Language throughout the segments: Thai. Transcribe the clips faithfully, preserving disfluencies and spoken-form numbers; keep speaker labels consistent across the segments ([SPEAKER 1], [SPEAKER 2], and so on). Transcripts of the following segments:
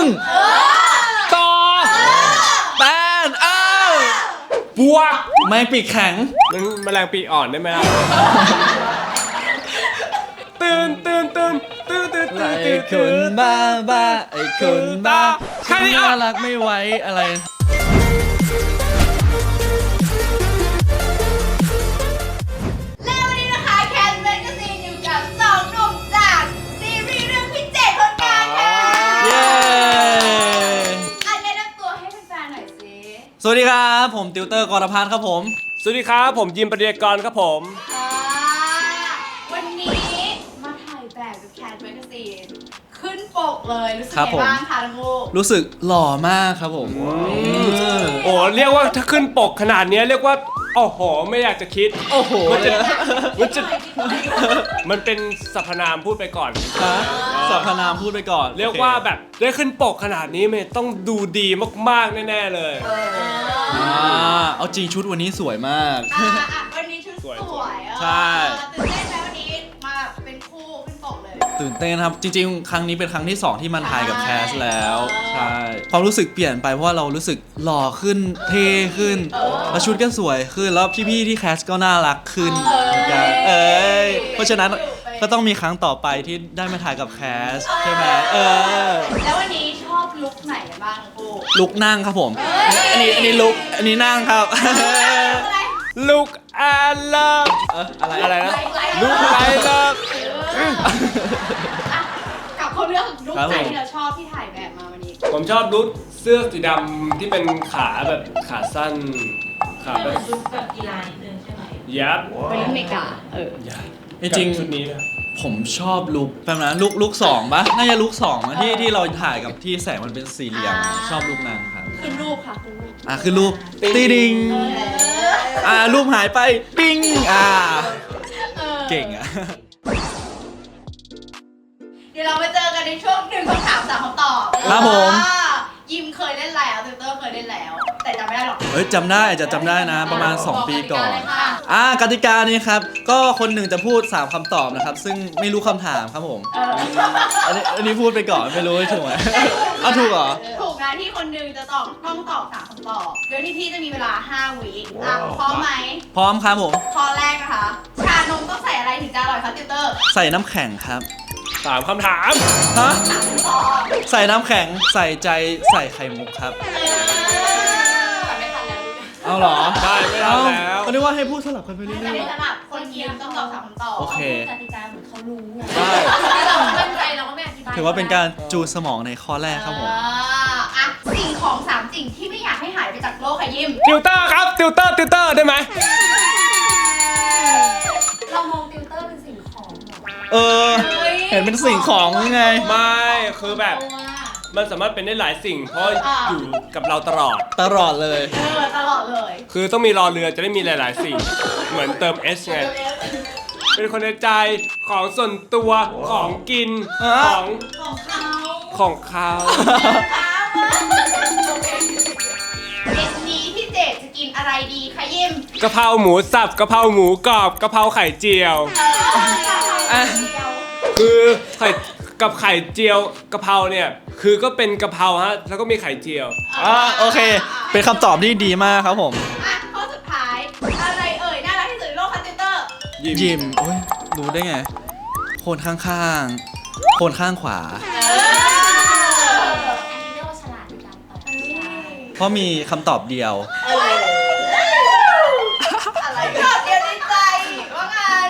[SPEAKER 1] ต่อแตนเออบวกแมงปีกแข็ง
[SPEAKER 2] มันแมลงปีกอ่อนได้ไหมล่ะตื่นตื่นตื่นตื่นตื่นตื่น
[SPEAKER 1] ไอ้คนบ้าบ้าไอ้คนบ้าน่ารักไม่ไหวอะไร
[SPEAKER 3] และวันนี้นะคะแคทแมกกาซีนอยู่กับสองหนุ่มจากซีรีส์เรื่องพี่เจตคนกลางค่ะเย้อันแนะนำตัวให้แฟนๆหน่อยสิ
[SPEAKER 1] สวัสดีครับผมติวเตอร์กรพัฒน์ครับผม
[SPEAKER 2] สวัสดีครับผมยิมปริยากรครับผม
[SPEAKER 3] วันนี้มาถ่ายแบบกับแคทแมกกาซีนขึ้นปกเลยรู้สึกยังไงบ้างคะทั้งคู่
[SPEAKER 1] รู้สึกหล่อมากครับผม
[SPEAKER 2] โอ้เรียกว่าถ้าขึ้นปกขนาดนี้เรียกว่าโอ้โหไม่อยากจะคิด
[SPEAKER 1] โอ้โห
[SPEAKER 2] มันจะมันจะมันเป็นสรรพนามพูดไปก่อน
[SPEAKER 1] สรรพนามพูดไปก่อน
[SPEAKER 2] เรียกว่าแบบได้ขึ้นปกขนาดนี้มันต้องดูดีมากๆแน่ๆเลย
[SPEAKER 1] อ่าเอาจริงชุดวันนี้สวยมาก
[SPEAKER 3] วันนี้ชุดสวย
[SPEAKER 1] ใช่
[SPEAKER 3] ตื่นเต้นไหมวันนี้มาเป็นคู่ขึ้นปกเลย
[SPEAKER 1] ตื่นเต้นครับจริงๆครั้งนี้เป็นครั้งที่สองที่มันถ่ายกับแคสแล้วใช่ความรู้สึกเปลี่ยนไปเพราะว่าเรารู้สึกหล่อขึ้นเท่ขึ้นแล้วชุดก็สวยขึ้นแล้วพี่ๆที่แคสก็น่ารักขึ้นเหมือนกันเอ้ยเพราะฉะนั้นก็ต้องมีครั้งต่อไปที่ได้มาถ่ายกับแคสใช่ไหมเออ
[SPEAKER 3] แล้ววันนี้ชอบลุคไหนกันบ้างคู่
[SPEAKER 1] ลุคนั่งครับผมอันนี้อันนี้ลุคอันนี้นั่งครับ
[SPEAKER 2] ลุคแอนเลิฟอะไรอะไรนะลุคไลเลิฟ
[SPEAKER 3] กับคนเรื่องลุคไหนที่เราชอบที่ถ่ายแบบมาวันนี้
[SPEAKER 2] ผมชอบลุคเสื้อสีดำที่เป็นขาแบบขาสั้นขาแบบ
[SPEAKER 4] ลุคแบบกีฬานิดนึงใช่ไหม
[SPEAKER 2] ยับ
[SPEAKER 3] เป็นลุคเมกาเออ
[SPEAKER 1] จริง
[SPEAKER 2] ชุดนี้นะ
[SPEAKER 1] ผมชอบลุคแบบนั้นลุคลุคสองปะน่าจะลุคสองนะที่ที่เราถ่ายกับที่แสงมันเป็นสี่เหลี่ยมชอบลุคนั้นครับ
[SPEAKER 3] คือรูปค่ะคือรูป
[SPEAKER 1] อ่ะคือรูปตีดิงอ่ารูปหายไปปิ้งอ่าเก่งอ่ะ
[SPEAKER 3] เดี๋ยวเราไปเจอกันในช่วงหนึ่งคำถามสามคำตอบ
[SPEAKER 1] ครับผม
[SPEAKER 3] ยิมเคยเล่นแล้วติวเตอร์เคยเล่นแล้วแต่จำไม่ได้หรอก
[SPEAKER 1] เฮ้ยจำได้จะจำได้นะประมาณสองปีก่อนอ่ากติกานี้ครับก็คนหนึ่งจะพูดสามคำตอบนะครับซึ่งไม่รู้คำถามครับผมอันนี้อันนี้พูดไปก่อนไม่รู้ถูกไหมอ้าวถูกเหรอ
[SPEAKER 3] ถูกนะที่คนหนึ่งจะตอบต้องตอบสามคำตอบโดยที่พี่จะมีเวลาห้าวิอ่ะพร้อมไหม
[SPEAKER 1] พร้อมครับผม
[SPEAKER 3] ข้อแรกนะคะชานมต้องใส่อะไรถึงจะอร่อยคะติวเตอร์
[SPEAKER 1] ใส่น้ำแข็งครับ
[SPEAKER 2] สามคำถาม
[SPEAKER 1] ฮะใส่น้ำแข็งใส่ใจใส่ไข่มุกครับเอาเหรอ
[SPEAKER 2] ได้ไม่ได้แล้ว
[SPEAKER 1] เขาเรียกว่าให้พูดสลับกันไปเรื่อย
[SPEAKER 3] ๆสลับคนยิมต้องตอบสามคำตอบ
[SPEAKER 1] โอเค
[SPEAKER 4] กติกาเหมือนเขารู้ไง
[SPEAKER 1] ได้
[SPEAKER 4] เราไม่ใจเราก็ไม่อธิบาย
[SPEAKER 1] ถือว่าเป็นการจูนสมองในข้อแรกครับผม
[SPEAKER 3] อ่ะสิ่งของสามสิ่งที่ไม่อยากให้หายไปจากโลกค่ะยิม
[SPEAKER 2] ติวเตอร์ครับติวเตอร์ติวเตอร์ได้ไหม
[SPEAKER 4] เรามองติวเตอร์เป็นสิ่งของ
[SPEAKER 1] เออเห็นเป็นสิ่งของยังไง
[SPEAKER 2] ไม่คือแบบมันสามารถเป็นได้หลายสิ่งเพราะอยู่กับเราตลอด
[SPEAKER 1] ตลอดเลย
[SPEAKER 3] เออตลอดเลย
[SPEAKER 2] คือต้องมีรอเรือจะได้มีหลายๆสิ่งเหมือนเติม S ไงเป็นคนในใจของส่วนตัวของกินของ
[SPEAKER 3] ของเขา
[SPEAKER 2] ของเขา
[SPEAKER 3] เย็นนี้พี่เจดจะกินอะไรดีคะยิม
[SPEAKER 2] กะเพราหมูสับกะเพราหมูกรอบกะเพราไข่เจียวคือไข่กับไข่เจียวกะเพราเนี่ยคือก็เป็นกะเพราฮะแล้วก็มีไข่เจียว
[SPEAKER 1] อ่าโอเคเป็นคำตอบที่ดีมากครับผม
[SPEAKER 3] อ่ะข้อสุดท้ายอะไรเอ่ยน่ารักที่สุดในโลกคะติวเตอร์
[SPEAKER 1] ยิมโอ้ยรู้ได้ไงคนข้างๆคนข้างขวา
[SPEAKER 4] อันนี้เรียกว่าฉลาดในการตอบ
[SPEAKER 1] เพราะมีคำตอบเดียว
[SPEAKER 3] อะไรตอบเดียวในใจว่างั้น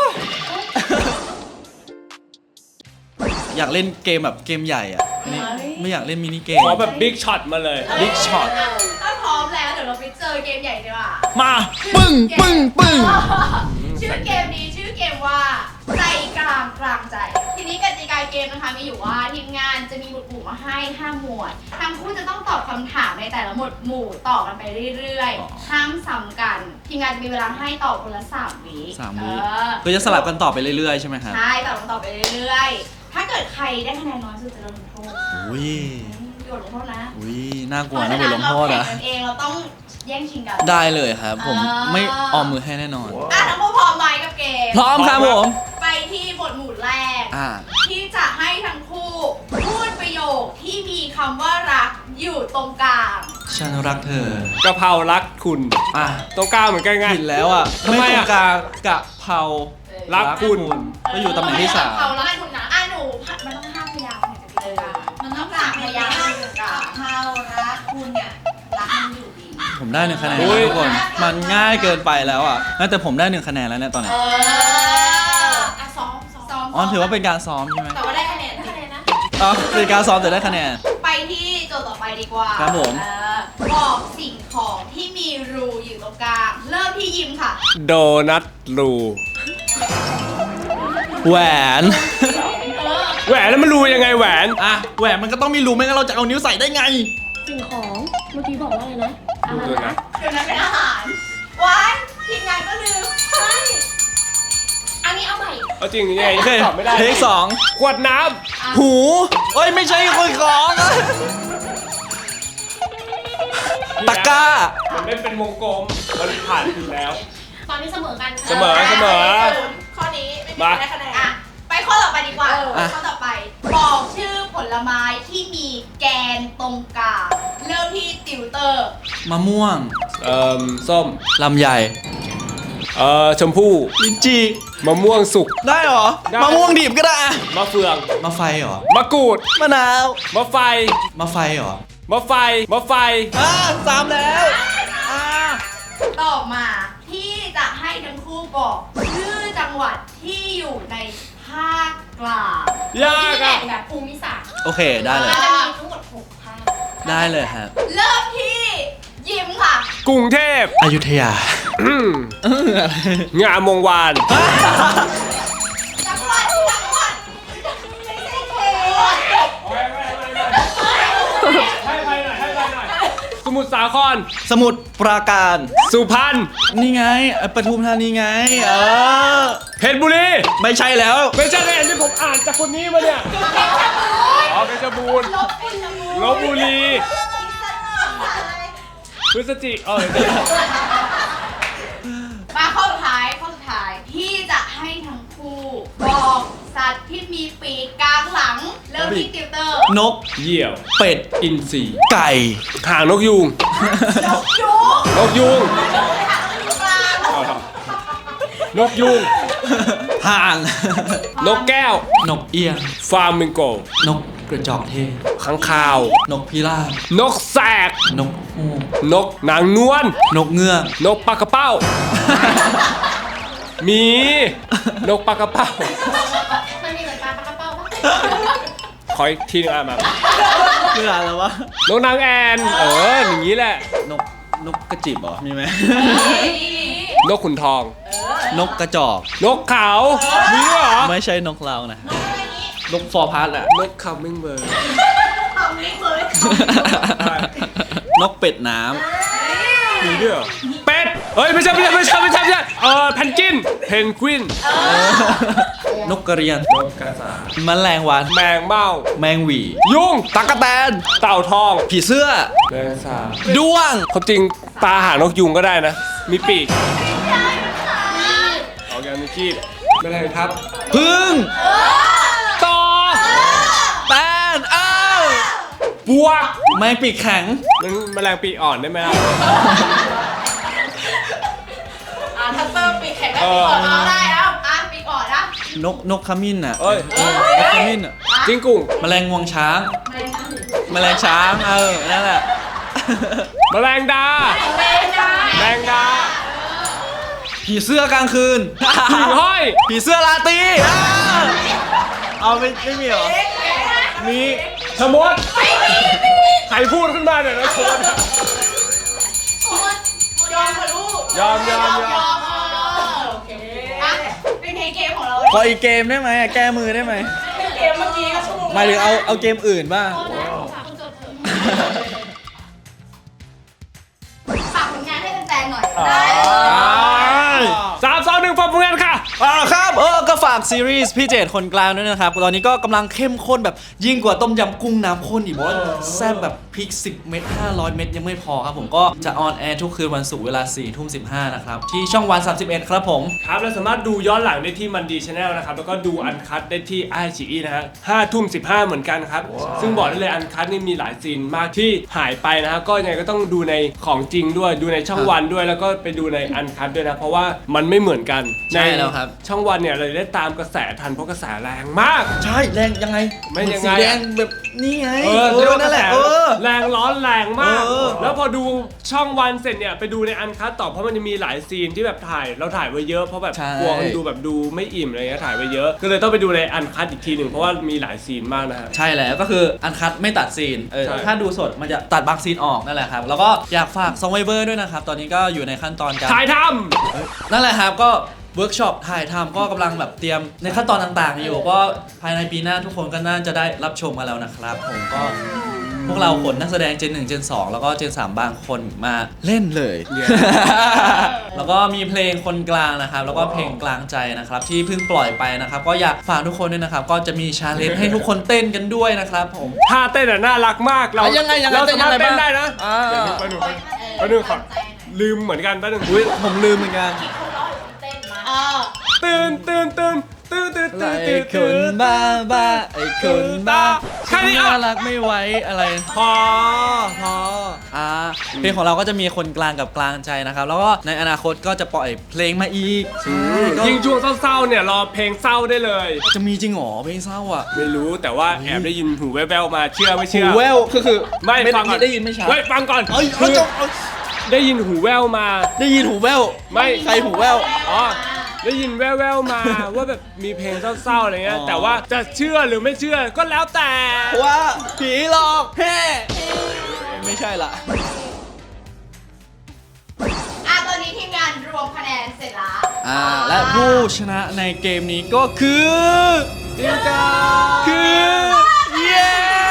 [SPEAKER 1] อยากเล่นเกมแบบเกมใหญ่อ่ะนี่ไม่อยากเล่นมินิเกม
[SPEAKER 2] ขอแบบบิ๊กช็อตมาเลย
[SPEAKER 1] บิ๊กช็อต
[SPEAKER 3] ถ้าพร้อมแล้วเดี๋ยวเราไปเจอเกมใหญ่ดีกว่า
[SPEAKER 1] มาปึ้งปึ้งปึ้ง
[SPEAKER 3] ชื่อเกมนี้ชื่อเกมว่าใจกลางกลางใจทีนี้กติกาเกมนะคะมีอยู่ว่าทีมงานจะมีหมวดหมู่มาให้ห้าหมวดทั้งคู่จะต้องตอบคำถามในแต่ละหมวดหมู่ต่อกันไปเรื่อยๆห้ามซ้ำกันทีมงานจะมีเวลาให้ตอบคนละสามวิ
[SPEAKER 1] สามวิคือจะสลับกันตอบไปเรื่อยๆใช่ไหมครับ
[SPEAKER 3] ใช่ตอบกันต่อไปเรื่อยๆถ้าเกิดใครได้คะแนนน้อยสุดจะโดนลงโทษ
[SPEAKER 1] อุ้ย
[SPEAKER 3] โดนลงโทษนะ
[SPEAKER 1] อุ้ยน่ากลัวนะบทลงโทษ
[SPEAKER 3] นะเราแข่งกันเองเราต้องแย่งชิงกัน
[SPEAKER 1] ได้เลยครับผมไม่ออมมือให้แน่นอน
[SPEAKER 3] อ่ะทั้งคู่พร้อมไหมกับเกม
[SPEAKER 1] พร้อมครับผม
[SPEAKER 3] ไปที่บทหมู่แรกที่จะให้ทั้งคู่พูดประโยคที่มีคำว่ารักอยู่ตรงกลาง
[SPEAKER 1] ฉันรักเธอก
[SPEAKER 2] ะเพรารักคุณ
[SPEAKER 1] อ่ะ
[SPEAKER 2] ตรงกลางเหมือนกันไง
[SPEAKER 1] ผิดแล้วอ่ะ
[SPEAKER 2] ทำไม
[SPEAKER 1] ไม่ตร
[SPEAKER 2] อ่ะ
[SPEAKER 1] งกลางกะเพรา
[SPEAKER 2] รักคุณ
[SPEAKER 1] ก็อยู่ตำแหน่งที่สาม
[SPEAKER 3] เขารักคุณนะอ่ะหนูมันต้องห้าพยางค์ถึงจะเป็นกลางมันต้องสามพยางค์ถึงจะเป็นกลางเขารักคุณเนี่ยรักมันอยู่ดี
[SPEAKER 1] ผมได้หนึ่งคะแนน
[SPEAKER 2] โอ้ย
[SPEAKER 1] ทุกคน มันง่ายเกินไปแล้วอ่ะงั้นแต่ผมได้หนึ่งคะแนนแล้วเนี่ยตอนนี้
[SPEAKER 3] เออ
[SPEAKER 4] อ่ะซ้อมซ้อม
[SPEAKER 1] อ๋อถือว่าเป็นการซ้อมใช่ไหม
[SPEAKER 3] แต่ว่าได้คะแนน
[SPEAKER 4] ได้คะแนนนะ
[SPEAKER 1] อ๋อเป็นการซ้อมแต่ได้คะแนน
[SPEAKER 3] ไปที่โจทย์ต่อไปดีกว่า
[SPEAKER 1] ครับผม
[SPEAKER 3] เออบอกสิ่งของที่มีรูอยู่ตรงกลาง เริ่มที่ยิมค่ะ
[SPEAKER 2] โดนัทรู
[SPEAKER 1] แหวน
[SPEAKER 2] แหวนแล้วมันรูยังไงแหวน
[SPEAKER 1] อ่ะแหวนมันก็ต้องมีรูไม่งั้นเราจะเอานิ้วใส่ได้ไง
[SPEAKER 4] สิ่งของเมื่อกี้บอกว่าอะไรนะอา
[SPEAKER 2] ดู
[SPEAKER 4] หาร
[SPEAKER 2] ตัว
[SPEAKER 4] นะ
[SPEAKER 2] นะ
[SPEAKER 3] เดี๋ยวนั้นเป็นอาหารว้ายทีมงานก็ลืม
[SPEAKER 4] ใช่อันนี้เอาใหม่
[SPEAKER 2] เอาจริงยังไง
[SPEAKER 1] โอเค
[SPEAKER 2] ตอบไม่ได้
[SPEAKER 1] เทคสอง
[SPEAKER 2] ขวดน้
[SPEAKER 1] หูเอ้ยไม่ใช่คนของอะ
[SPEAKER 2] ำ
[SPEAKER 1] ตะกร้า
[SPEAKER 2] มันไม่เป็นวงกลมมันผ่านถึงแล้ว
[SPEAKER 4] ตอนนี้เสมอกัน
[SPEAKER 2] เสมอเสมอ
[SPEAKER 3] ข้อนี้ไม่มี
[SPEAKER 2] มา
[SPEAKER 3] ใครได้คะแนนอ่ะไปข้อต่อไปดีกว่า
[SPEAKER 1] อ่ะ
[SPEAKER 3] ข้อต่อไป บอกชื่อผลไม้ที่มีแกนตรงกลางเริ่มที่ติวเตอร์
[SPEAKER 1] มะม่วง
[SPEAKER 2] เอ่อส้ม
[SPEAKER 1] ลำไย
[SPEAKER 2] เอ่อชมพู่
[SPEAKER 1] ลิ้นจี
[SPEAKER 2] มะม่วงสุก
[SPEAKER 1] ได้เหรอ
[SPEAKER 2] ได้
[SPEAKER 1] มะม่วงดิบก็ได้อะ
[SPEAKER 2] มะเฟือง
[SPEAKER 1] มะไฟเหรอ
[SPEAKER 2] มะกรูด
[SPEAKER 1] มะนาว
[SPEAKER 2] มะไฟ
[SPEAKER 1] มะไฟเหรอ
[SPEAKER 2] มะไฟมะไฟ
[SPEAKER 1] อ่าสามแล้วอ่า
[SPEAKER 3] ต่อมาที่จะให้ทั้งคู่บอกชื่อจังหวัดที่อยู่ในภาคกลาง
[SPEAKER 2] ยาก
[SPEAKER 4] แบ่
[SPEAKER 2] อ่ะ
[SPEAKER 4] งแบบภูมิศาสตร์
[SPEAKER 1] โอเคได้เลย
[SPEAKER 4] มันจะมีทั้งหมดหกภาค
[SPEAKER 1] ได้เลยครับ
[SPEAKER 3] เริ่มที่ยิมค่ะ
[SPEAKER 2] กรุงเทพ
[SPEAKER 1] อยุธยา
[SPEAKER 2] อืม
[SPEAKER 1] เอออะไร
[SPEAKER 2] งามวงวาน
[SPEAKER 3] จังหวัดจังหวัดไม่ใช่เขต
[SPEAKER 2] ให้ไปหน่อยให้ไปหน่อยสมุทรสาคร
[SPEAKER 1] สมุทรปราการ
[SPEAKER 2] สุพรรณ
[SPEAKER 1] นี่ไงเอ่อปทุมธานีไง เออ
[SPEAKER 2] เพชรบุรี
[SPEAKER 1] ไม่ใช่แล้ว
[SPEAKER 2] ไม่ใช่เลยที่ผมอ่านจากคนนี้มาเนี่ยอ๋อเพชรบูรณ์
[SPEAKER 3] ลบบุรี
[SPEAKER 2] ลบบุรีพฤศจิเออ
[SPEAKER 3] มาข้อสุดท้ายข้อสุดท้ายที่จะให้ทั้งคู่บอกสัตว์ที่มีปีกกลางหลัง เริ่มที่ติวเตอร์
[SPEAKER 1] นก
[SPEAKER 2] เหยี่ยว
[SPEAKER 1] เป็ด
[SPEAKER 2] อินทรี
[SPEAKER 1] ไก่
[SPEAKER 2] หางนกยูง
[SPEAKER 3] นกยูง
[SPEAKER 2] นกยูง
[SPEAKER 3] ค่ะนกยูงกลาง
[SPEAKER 2] เอาครับนกยูง
[SPEAKER 1] ห่าง
[SPEAKER 2] นกแก้ว
[SPEAKER 1] นกเอี้ยง
[SPEAKER 2] ฟาร์มิงโก
[SPEAKER 1] นกกระจอกเทศ
[SPEAKER 2] ข้างคาว
[SPEAKER 1] นกพิราบ
[SPEAKER 2] นกแสก
[SPEAKER 1] นกฮูก
[SPEAKER 2] นกนางนวล
[SPEAKER 1] นกเงือก
[SPEAKER 2] นกปลากระเป้า มี นกปลากระเป้า
[SPEAKER 4] มันมีเหมือนปลาปลากระเป้าปะ
[SPEAKER 2] ขออีกทีหนึงอ่ะมา
[SPEAKER 1] เมื่ออะไรวะ
[SPEAKER 2] นกนางแอน เออ อย่างนี้แหละ
[SPEAKER 1] นก นกกระจิบเหรอ มีไหม
[SPEAKER 2] นกขุนทอง
[SPEAKER 1] นกกระจอก
[SPEAKER 2] นกเขา มีด้วยเหรอ
[SPEAKER 1] ไม่ใช่นกเรานะ นกฟอร์พาร์ตอะ
[SPEAKER 2] นกคัมมิงเบิร์ด
[SPEAKER 3] ทำนี่เลย
[SPEAKER 1] นกเป็ดน้
[SPEAKER 2] มีด้วยเหรอเป็ด เฮ้ย ไม่ใช่ไม่ใช่ไม่ใช่ไม่ใช่ไม่ใช่เออแพนกวิน เพนกวิน
[SPEAKER 1] ำ นกกระเรียน
[SPEAKER 2] นกกระสา
[SPEAKER 1] แมลงวัน
[SPEAKER 2] แมงเม่า
[SPEAKER 1] แมงหวี
[SPEAKER 2] ยุง
[SPEAKER 1] ตั๊กแตน
[SPEAKER 2] เต่าทอง
[SPEAKER 1] ผีเสื้อ
[SPEAKER 2] แมงสาบ
[SPEAKER 1] ด้วง
[SPEAKER 2] ความจริงตาหางนกยุงก็ได้นะ มีปีกออกยามีคีบไม่ได้ครับ
[SPEAKER 1] พึ่ง
[SPEAKER 2] ต่อ
[SPEAKER 1] แตนเอ้า
[SPEAKER 2] บวก
[SPEAKER 1] แมงปีกแข็ง
[SPEAKER 2] มันแมลงปีกอ่อนได้ไหมล่ะ
[SPEAKER 3] อ่ะถ้าเติมปีกแข็งได้ปีกอ่อนเอาได้แล้วอ่ะปีกอ่อนนะ
[SPEAKER 1] นก นกขมิ้นอ่ะ
[SPEAKER 2] เอ้ย
[SPEAKER 1] เออนกขมิ้นอ่ะ
[SPEAKER 2] จิ้งกุ่ง
[SPEAKER 1] แมลงงวงช้าง
[SPEAKER 3] ไม่ใช่
[SPEAKER 1] แมลงช้าง เออ นั่นแหละ
[SPEAKER 2] แมลงดา
[SPEAKER 3] ไม่ใช่
[SPEAKER 2] แมงดา
[SPEAKER 1] ผีเสื้อกลางคืน
[SPEAKER 2] หิ่งห้อย
[SPEAKER 1] ผีเสื้อราตรีอ่าเอาไม่ไม่มีเหรอ มี
[SPEAKER 2] ชะมดใครพูดขึ้นมาเนี่ยนะชะมดอะ
[SPEAKER 3] ยอมค่ะลูก
[SPEAKER 2] ยอมยอมยอม
[SPEAKER 3] ยอมโอเคอ่ะเป็นไงเกมของเรา
[SPEAKER 1] ขออีกเกมได้ไหมอะแก้มือได้ไหม
[SPEAKER 3] เกมเมื่อกี้ก็ชั่วโมง
[SPEAKER 1] หมายถึงเอาเอาเกมอื่นบ้าง
[SPEAKER 4] โทษนะฝากคุณโจทย์เถอะ
[SPEAKER 3] ฝากผลงานให้แฟนๆหน่อย
[SPEAKER 2] อ่า
[SPEAKER 3] ได้เลย
[SPEAKER 2] สามสองหนึ่งฟังผลงานค่ะ
[SPEAKER 1] อ่าครับเออก็ฝากซีรีส์พี่เจตคนกลางด้วยนะครับตอนนี้ก็กำลังเข้มข้นแบบยิ่งกว่าต้มยำกุ้งน้ำข้นอีกเพราะว่าแซ่บแบบพริกสิบเม็ดห้าร้อยเม็ดยังไม่พอครับผมก็จะออนแอร์ทุกคืนวันศุกร์เวลาสี่ทุ่มสิบห้านะครับที่ช่องวันสามสิบเอ็ดครับผม
[SPEAKER 2] ครับเราสามารถดูย้อนหลังได้ที่มันดีชาแนลนะครับแล้วก็ดูอันคัตได้ที่ไอชีอีนะฮะห้าทุ่มสิบห้าเหมือนกันครับซึ่งบอกได้เลยอันคัตนี่มีหลายซีนมากที่หายไปนะฮะก็ยังไงก็ต้องดูในของจริงด้วยดูในช่องวันด้วยแล้วก็ไปดูในอันคัตด้วยนะเพราะว่ามันไม่เหมือนกัน
[SPEAKER 1] ใช่แล้วครับ
[SPEAKER 2] ช่องวันเนี่ยเราได้ตามกระแสทันเพราะกระแสแรงมาก
[SPEAKER 1] ใช่แรงยังไง
[SPEAKER 2] ไม่ยังไง
[SPEAKER 1] สีแดงแบบนี่ไง
[SPEAKER 2] เออเรียกว่า
[SPEAKER 1] นั่นแหละ
[SPEAKER 2] ก
[SPEAKER 1] เอ
[SPEAKER 2] ระแส
[SPEAKER 1] อ
[SPEAKER 2] แรงร้อนแรงมาก
[SPEAKER 1] เออ
[SPEAKER 2] แล้วพอดูช่องวันเสร็จเนี่ยไปดูในอันคัตต่อเพราะมันจะมีหลายซีนที่แบบถ่ายเราถ่ายไว้เยอะเพราะแบบกลัวคนดูแบบดูไม่อิ่มอะไรเงี้ยถ่ายไว้เยอะก็เลยต้องไปดูในอันคัตอีกทีหนึ่งเพราะว่ามีหลายซีนมากนะฮะ
[SPEAKER 1] ใช่แล้วก็คืออันคัดไม่ตัดซีนเออ
[SPEAKER 2] ใช่
[SPEAKER 1] ถ้าดูสดมันจะตัดบางซีนออกนั่นแหละครับแล้วก็อยากฝากซองไวเวอร์ด้วยนะครับตอนนี้ก็อยู่ในขั้นตอนการ
[SPEAKER 2] ถ่ายท
[SPEAKER 1] นั่นแหละครับก็เวิร์กช็อปถ่ายทำก็กำลังแบบเตรียมในขั้นตอนต่างๆ อยู่ก็ภายในปีหน้าทุกคนก็น่าจะได้รับชมกันแล้วนะครับผมก็พวกเราขนนักแสดงเจนหนึ่งเจนสองแล้วก็เจนสามบางคนมาเล่นเลย แล้วก็มีเพลงคนกลางนะครับแล้วก็เพลงกลางใจนะครับที่เพิ่งปล่อยไปนะครับก็อยากฝากทุกคนด้วยนะครับก็จะมีชาเลนจ์ให้ทุกคนเต้นกันด้วยนะครับผม
[SPEAKER 2] ำท่าเต้นอ่ะน่ารักมากเรา
[SPEAKER 1] อ่ะยังไงยังไง
[SPEAKER 2] เราสามารถ
[SPEAKER 1] เต้
[SPEAKER 2] เต้
[SPEAKER 1] น
[SPEAKER 2] น
[SPEAKER 1] ยังไงบ้าง
[SPEAKER 2] ได้นะ
[SPEAKER 1] อ่า
[SPEAKER 2] เดี๋ยวไปหนึ่งไปหนึ่งขอลืมเหมือนกันไปหนึ่ง
[SPEAKER 1] อุ๊ยผมลืมเหมือนกัน
[SPEAKER 4] คนร้องหรือคนเต้นมา
[SPEAKER 3] เออ
[SPEAKER 2] ตื่นตื่นตื่นตื่นตื่นตื่น
[SPEAKER 1] ไอ้
[SPEAKER 2] ตื่น
[SPEAKER 1] คนบ้าบ้าไอ้คนบ้า
[SPEAKER 2] แค่นี้อ่ะ
[SPEAKER 1] น่ารักไม่ไหวอะไร
[SPEAKER 2] พอ
[SPEAKER 1] พออ่าเพลงของเราก็จะมีคนกลางกับกลางใจนะครับ แล้วก็ในอนาคตก็จะปล่อยเพลงมาอีกก็
[SPEAKER 2] ยิ่งช่วงเศร้าๆเนี่ยรอเพลงเศร้าได้เลย
[SPEAKER 1] จะมีจริงเหรอเพลงเศร้าอ่ะ
[SPEAKER 2] ไม่รู้แต่ว่าแอบได้ยินหูแว่วๆมาเชื่อไม่
[SPEAKER 1] หู
[SPEAKER 2] เชื่อ
[SPEAKER 1] แววคือคือ
[SPEAKER 2] ไม่ฟังก่อน
[SPEAKER 1] ได้ยินไม่ชัด
[SPEAKER 2] เฮ้ยฟังก่อน
[SPEAKER 1] เอ้ย
[SPEAKER 2] คื
[SPEAKER 1] เอา
[SPEAKER 2] อ
[SPEAKER 1] จบเอา
[SPEAKER 2] ได้ยินหูแว่วมา
[SPEAKER 1] ได้ยินหูแวว
[SPEAKER 2] ไม่
[SPEAKER 1] ใครหูแวว
[SPEAKER 2] อ๋อได้ยินแว่วๆมา ว่าแบบมีเพลงเศร้าๆอะไรเงี้ย
[SPEAKER 1] อ๋อ
[SPEAKER 2] แต่ว่าจะเชื่อหรือไม่เชื่อก็แล้วแต่
[SPEAKER 1] ว่าผีหลอกแฮ่ไม่ใช่ละ
[SPEAKER 3] อ่ะตอนนี้ทีมงานรวมคะแนนเสร็จแล้ว
[SPEAKER 1] อ่าและผู้ชนะในเกมนี้ก็คือทีมกาคือเย้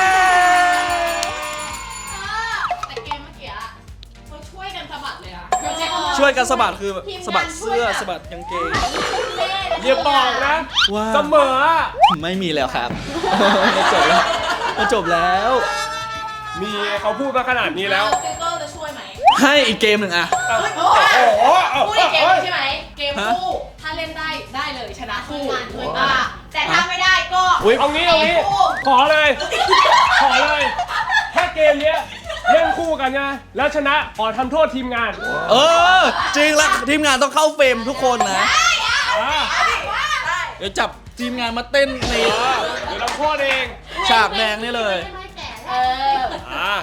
[SPEAKER 4] แต่เกมเมื่อกี้อะเขาช่วยกันสะบัดเลยอะ
[SPEAKER 1] ช่วยกันสะบัดคือแบบ
[SPEAKER 3] ทีมงาน
[SPEAKER 1] สะบัดเสื้อ
[SPEAKER 3] ช่วยแบบ
[SPEAKER 1] สะบัดกางเกง
[SPEAKER 2] อย่าบอกนะ
[SPEAKER 1] ว่า
[SPEAKER 2] เสมออะ
[SPEAKER 1] ไม่มีแล้วครับ มันจบแล้วมันจบแล้ว
[SPEAKER 2] มีเขาพูดมาขนาดนี้แล้ว
[SPEAKER 4] ฟิลเตอร์จะช่วยไหม
[SPEAKER 1] ให้อีกเกมหนึ่งอะ
[SPEAKER 2] โอ้
[SPEAKER 4] โอ้
[SPEAKER 2] โห
[SPEAKER 4] พูดอีกเกมใช่ไหม เกมคู่ ถ้าเล่นได้ได้เลยชนะคู่
[SPEAKER 3] อ่ะแต่ถ้าไม่ได้ก็
[SPEAKER 1] อุ๊ย
[SPEAKER 2] เอางี้เอางี้ขอเลย ขอเลยถ้าเกมเนี้ยเล่นคู่กันนะแล้วชนะขอทำโทษทีมงาน
[SPEAKER 1] เออ จริงแล้วทีมงานต้องเข้าเฟรมทุกคนนะ
[SPEAKER 2] อ่า
[SPEAKER 1] เดี๋ยวจับทีมงานมาเต้นใน
[SPEAKER 2] เดี๋ยวทำโทษเอง
[SPEAKER 1] ฉากแดงนี่เลย
[SPEAKER 4] เออ
[SPEAKER 2] อ่า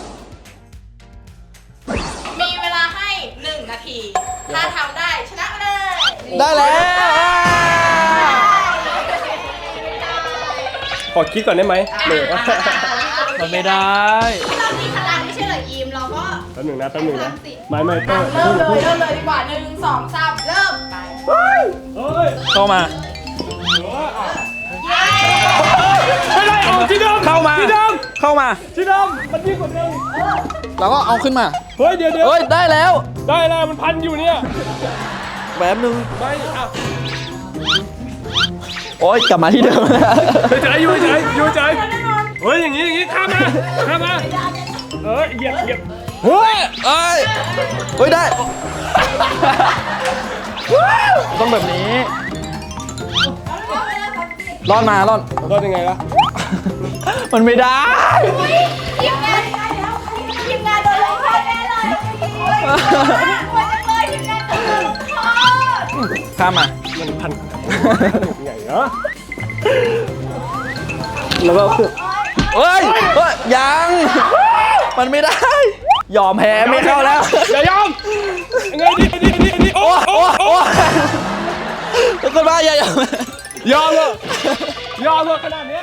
[SPEAKER 4] มีเวลาให้หนึ่งนาที ถ้าทำได้ชนะไปเลย
[SPEAKER 1] ได้แล้ว
[SPEAKER 2] ขอคิดก่อนได้ไหมหนึ่ง
[SPEAKER 1] มันไม่ได้
[SPEAKER 3] เรามีพลังไม่ใช่เหรอยิมเราก็
[SPEAKER 2] แป๊บหนึ่งนะแป๊บหนึ่งนะไม่ไม่เต้
[SPEAKER 4] เริ่มเลยเริ่มเลยดีกว่าหนึ่งสองสามเริ่มไป
[SPEAKER 2] เฮ้ย
[SPEAKER 1] เข้ามา
[SPEAKER 2] ไม่ได้ออกที่เดิม
[SPEAKER 1] เข้ามา
[SPEAKER 2] ที่เดิม
[SPEAKER 1] เข้ามา
[SPEAKER 2] ที่เดิมมันยิ่งกว่าเดิม
[SPEAKER 1] แล้วก็เอาขึ้นมา
[SPEAKER 2] เฮ้ยเดี๋ยวเดี๋ยว
[SPEAKER 1] เฮ้ย ได้แล้ว
[SPEAKER 2] ได้แล้วมันพันอยู่เนี่ย
[SPEAKER 1] แบบนึง
[SPEAKER 2] ไม่อ่ะ
[SPEAKER 1] โอ๊ย กลับมาที่เดิมแล้ว
[SPEAKER 2] เฉยๆอยู่เฉยๆอยู่เฉยเฮ้ยอย่างงี้อย่างงี้ข้ามมาข้ามมาเออเหยียบเหยียบ
[SPEAKER 1] เฮ้ยเอ้ยเฮ้ย ได้ ต้องแบบนี้ รอดมารอด
[SPEAKER 2] รอดยังไงล่ะ
[SPEAKER 1] มันไม่ได้
[SPEAKER 3] ทีมงานได้แล้วทีมงานโดนลงโทษแน่เลยโอ้ยโอ้ยจังเลยทีมงานโดนลงโทษ
[SPEAKER 1] ข้ามมา
[SPEAKER 2] มันพันใหญ่เหรอ
[SPEAKER 1] แล้วก็คือเฮ้ยเฮ้ย ยัง มันไม่ได้ ยอมแพ้ไม่เข้าแล้ว
[SPEAKER 2] อย่ายอมยังไงดีดีดีดีโอ้
[SPEAKER 1] โอ้
[SPEAKER 2] โอ้
[SPEAKER 1] โอ้
[SPEAKER 2] โอ้
[SPEAKER 1] โอ้ทุกคนว่าอย่ายอม
[SPEAKER 2] ยอมเลยยอมเลยขนาดนี้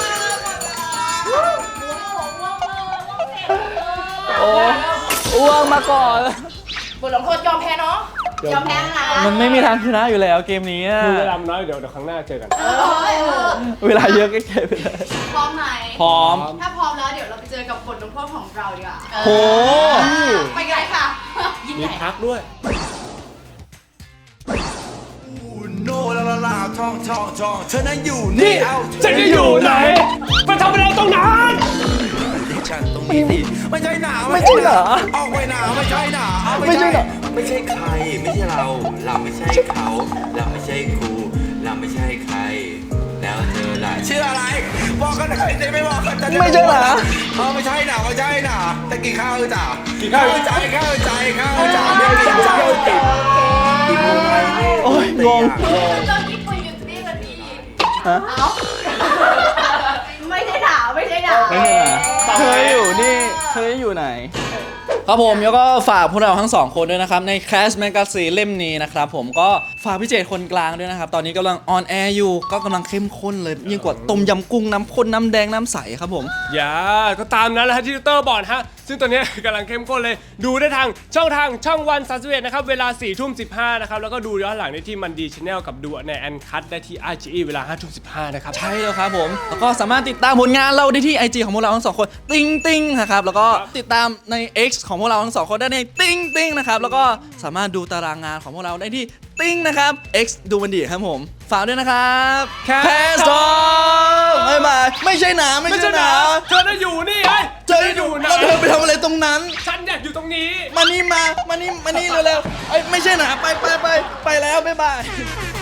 [SPEAKER 1] โอ้อ้วงมาก่อน
[SPEAKER 4] บทลงโทษยอมแพ้เนาะ
[SPEAKER 3] ยอมแพ้นะ
[SPEAKER 1] มันไม่มีทางชนะอยู่แล้วเกมนี้อะ
[SPEAKER 2] คือเวลามันน้อยเดี๋ยวเดี๋ยวครั้งหน้าเจอกัน
[SPEAKER 3] เออเออ
[SPEAKER 1] เวลาเยอะก็เก็บไปเลย
[SPEAKER 3] พร้อมไหม
[SPEAKER 1] พร้อม
[SPEAKER 3] ถ้าพร้อมแล้วเดี๋ยวเราไปเจอกับบทลงโทษของเราดีกว่า
[SPEAKER 1] โห
[SPEAKER 3] ไปกันเลยค่ะ
[SPEAKER 4] ยิ่ง
[SPEAKER 2] มี
[SPEAKER 4] ใหญ่
[SPEAKER 2] พักด้วย
[SPEAKER 5] no la la la ล่าทองทองทองเธอนั้นอยู่นี่เอา
[SPEAKER 2] ฉันจะอยู่ไหนไปทำอะไรตรงนั้น
[SPEAKER 5] ฉันตรงนี้สิไม่ใช่หนา
[SPEAKER 6] ไม่ใช่หนา
[SPEAKER 5] ออกไปหนาไม่ใช่หนาเอา
[SPEAKER 6] ไม่ใช่หนา
[SPEAKER 5] ไม่ใช่ใคร ไม่ใช่เรา เราไม่ใช่เขา เราไม่ใช่ครูเราไม่ใช่ใคร แล้วเธอล่ะชื่ออะไรบอกกันหน่อยสิไม่บอกกันจะ
[SPEAKER 6] ไม่ใช่หนา
[SPEAKER 5] เออไม่ใช่หนาไม่ใช่หนาแต่กินข้าวจ้ะ
[SPEAKER 2] กินข้าว
[SPEAKER 5] ใจข้าวใจข้าวจ้ะไม่กินข้าวจ้ะกินอะไรนี่
[SPEAKER 6] โอ้ยงง
[SPEAKER 3] ตอนที่คุยอยู่ที่มันมี
[SPEAKER 6] ฮะ
[SPEAKER 3] เอ้าไม่ใช่หนาวไม่ใช่หนาว
[SPEAKER 6] ไม่ใช่หนาเธออยู่นี่เธออยู่ไหน
[SPEAKER 1] ครับผมแล้วก็ฝากพวกเราทั้งสองคนด้วยนะครับใน Clash Magazine เล่มนี้นะครับผมก็ฝากพี่เจตคนกลางด้วยนะครับตอนนี้กำลังออนแอร์อยู่ก็กำลังเข้มข้นเลยยิ่งกว่าต้มยำกุ้งน้ำข้นน้ำแดงน้ำใสครับผม
[SPEAKER 2] อย่าก็ตามนั้นแหละฮะที่ดรบอกนะฮะซึ่งตอนนี้ กำลังเข้มข้นเลยดูได้ทางช่องทางช่องวันสามสิบเอ็ดนะครับเวลาสี่ทุ่มสิบห้านะครับแล้วก็ดูย้อนหลังได้ที่มันดีชาแนลกับดูในแอนคัทได้ที่ ไอ จี อี เวลาห้าทุ่มสิบห้านะครับ
[SPEAKER 1] ใช่แล้วครับผมแล้วก็สามารถติดตามผลงานเราได้ที่ ไอ จี ของพวกเราทั้งสองคนติ้งติ้งนะครับแล้วก็ติดตามใน X ของพวกเราทั้งสองคนได้ในติ้งติ้งนะครับแล้วก็สามารถดูตารางงานของพวกเราได้ที่ติ้งนะครับ X ดูมันดีครับผมฝากด้วยนะครับ
[SPEAKER 2] Cast
[SPEAKER 1] สองบ๊ายบายไม่ใช่หนาไม่
[SPEAKER 2] ไม่
[SPEAKER 1] ใช่
[SPEAKER 2] ใช่
[SPEAKER 1] ห
[SPEAKER 2] ห
[SPEAKER 1] นา
[SPEAKER 2] นาเธอได้อยู่นี่ไอ้
[SPEAKER 1] เจออยู่แล้วเธอไปทำอะไรตรงนั้น
[SPEAKER 2] ฉันอยากอยู่ตรงนี้
[SPEAKER 1] มานี่มา มานี่ มานี่เร็วๆเอ้ยไม่ใช่หนาไปไปไปไปแล้ว บ๊ายบาย